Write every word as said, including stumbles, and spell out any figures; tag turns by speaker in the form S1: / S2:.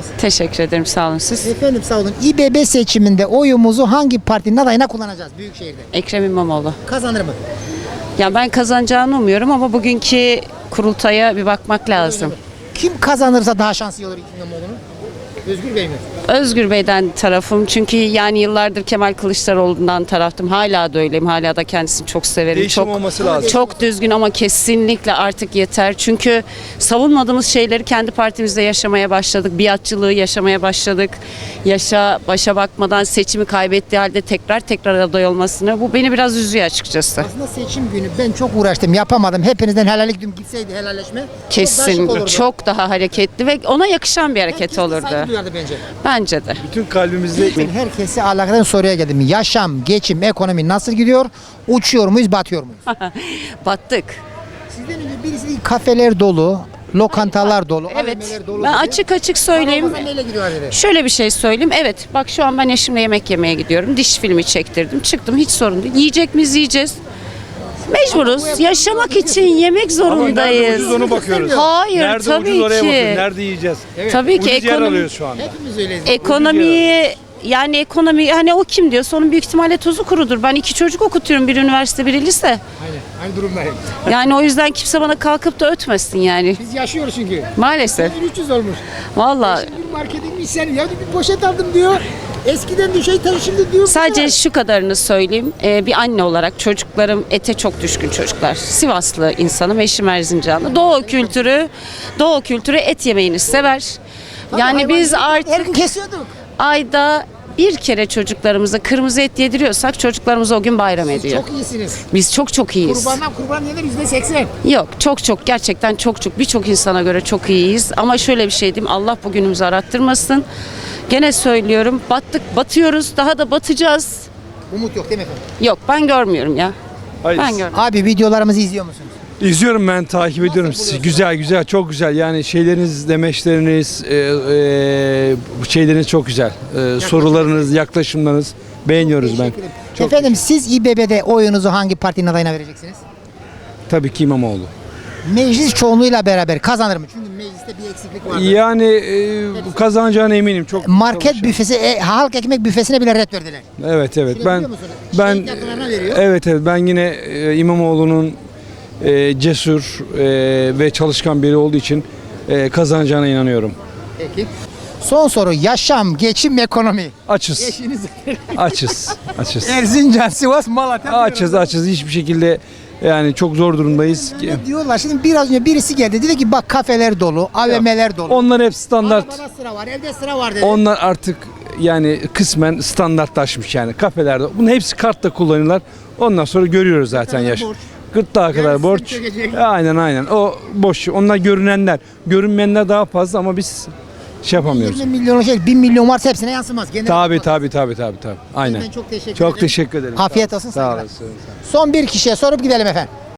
S1: Teşekkür ederim. Sağ olun siz.
S2: Efendim sağ olun. İBB seçiminde oyumuzu hangi partinin adayına kullanacağız Büyükşehir'de?
S1: Ekrem İmamoğlu.
S2: Kazanır mı?
S1: Ya ben kazanacağını umuyorum ama bugünkü kurultaya bir bakmak lazım.
S2: Kim kazanırsa daha şanslı olur İmamoğlu'nun? Özgür Bey mi?
S1: Özgür Bey'den tarafım çünkü yani yıllardır Kemal Kılıçdaroğlu'ndan taraftım. Hala da öyleyim. Hala da kendisini çok severim.
S3: Değişim
S1: çok,
S3: olması lazım.
S1: Çok düzgün ama kesinlikle artık yeter. Çünkü savunmadığımız şeyleri kendi partimizde yaşamaya başladık. Biatçılığı yaşamaya başladık. Yaşa başa bakmadan seçimi kaybettiği halde tekrar tekrar aday olmasını. Bu beni biraz üzüyor açıkçası.
S2: Aslında seçim günü ben çok uğraştım, yapamadım. Hepinizden helallik düm gitseydi helalleşme.
S1: Kesin
S2: Çok,
S1: çok daha hareketli ve ona yakışan bir hareket
S2: Herkes de
S1: olurdu.
S2: saygı duyardı bence.
S1: Bence de.
S3: Bütün kalbimizle
S2: Ben herkese alakalı soruya geldim. Yaşam, geçim, ekonomi nasıl gidiyor? Uçuyor muyuz, batıyor muyuz?
S1: Battık.
S2: Sizden önce birisi kafeler dolu, lokantalar dolu,
S1: Evet.
S2: A V M'ler dolu
S1: Ben
S2: dedi.
S1: açık açık söyleyeyim.
S2: Ramazan neyle gidiyor dedi?
S1: Şöyle bir şey söyleyeyim. Evet bak şu an ben eşimle yemek yemeye gidiyorum. Diş filmi çektirdim. Çıktım hiç sorun değil. Yiyecek miyiz yiyeceğiz. Mecburuz. Yaşamak için yemek
S3: ama nerede
S1: zorundayız.
S3: ucuz onu bakıyoruz.
S1: Hayır
S3: nerede
S1: tabii
S3: ucuz oraya
S1: ki.
S3: bakıyoruz. Nerede yiyeceğiz?
S1: Tabii ki
S3: Ucuz yer
S1: ekonomi,
S3: alıyoruz şu anda.
S2: Hepimiz öyleyiz.
S1: ekonomiyi yani ekonomi hani o kim diyorsa onun büyük ihtimalle tuzu kurudur. Ben iki çocuk okutuyorum. Biri üniversite biri lise.
S2: Aynen, aynı durumdayım.
S1: Yani o yüzden kimse bana kalkıp da ötmesin yani.
S2: Biz yaşıyoruz çünkü.
S1: Maalesef.
S2: üç yüz olmuş.
S1: Vallahi
S2: Bir markete gitmiş sen ya bir poşet aldım diyor. Eskiden bir şey tabii şimdi diyor.
S1: sadece şu kadarını söyleyeyim. Ee, bir anne olarak çocuklarım ete çok düşkün çocuklar. Sivaslı insanım, eşim Erzincanlı. Doğu kültürü, Doğu kültürü et yemeğini sever. Yani biz
S2: her
S1: artık
S2: gün kesiyorduk.
S1: ayda bir kere çocuklarımıza kırmızı et yediriyorsak çocuklarımız o gün bayram ediyor.
S2: Çok iyisiniz.
S1: Biz çok çok iyiyiz.
S2: Kurbandan kurban yenir yüzde seksen.
S1: Yok çok çok gerçekten çok çok birçok insana göre çok iyiyiz. Ama şöyle bir şey diyeyim, Allah bugünümüzü arattırmasın. Gene söylüyorum, battık, batıyoruz, daha da batacağız.
S2: Umut yok değil mi efendim?
S1: Yok ben görmüyorum ya.
S3: Hayır.
S1: Ben görmüyorum.
S2: Abi videolarımızı izliyor musunuz?
S3: İzliyorum, ben takip ediyorum sizi. Güzel güzel, çok güzel. Yani şeyleriniz, demeçleriniz, e, e, bu şeyleriniz çok güzel. E, sorularınız, yaklaşımlarınız beğeniyoruz ben. Çok
S2: Efendim siz İBB'de oyunuzu hangi partinin adayına vereceksiniz?
S3: Tabii ki İmamoğlu.
S2: Meclis çoğunluğuyla beraber kazanır mı? Çünkü mecliste bir eksiklik var.
S3: Yani e, bu kazanacağına eminim. Çok
S2: Market
S3: çalışıyor.
S2: büfesi, e, halk ekmek büfesine bile red verdiler.
S3: Evet evet.
S2: Şunu
S3: Ben
S2: biliyor musunuz?
S3: ben
S2: Şehit yakınlarına veriyor.
S3: evet evet ben yine e, İmamoğlu'nun e, cesur e, ve çalışkan biri olduğu için e, kazanacağına inanıyorum.
S2: Peki. Son soru. Yaşam, geçim, ekonomi.
S3: Açız.
S2: Eşiniz
S3: Açız. Açız.
S2: Erzincan, Sivas, Malatya.
S3: Açız açız. Hiçbir şekilde yani çok zor durumdayız.
S2: Ne diyorlar? Şimdi biraz önce birisi geldi dedi ki bak kafeler dolu, A V M'ler dolu.
S3: Onlar hep standart.
S2: Arabada sıra var, evde sıra var dedi.
S3: Onlar artık yani kısmen standartlaşmış yani kafelerde. Bunun hepsi kartla kullanıyorlar. Ondan sonra görüyoruz zaten yaş.
S2: borç.
S3: Gırtlağa kadar
S2: Yarısı
S3: borç.
S2: çökecek.
S3: Aynen aynen. O boş. Onlar görünenler. Görünmeyenler daha fazla ama biz şey yapamıyoruz.
S2: yirmi milyon şey, bin milyon varsa hepsine yansımaz. Genel
S3: Tabi
S2: olarak.
S3: tabi tabi tabi tabi. Aynen.
S2: Ben çok teşekkür
S3: Çok
S2: ederim.
S3: teşekkür ederim.
S2: Afiyet
S3: Sağ-
S2: olsun,
S3: Sağ
S2: saygılar.
S3: olasın.
S2: Son bir kişiye sorup gidelim efendim.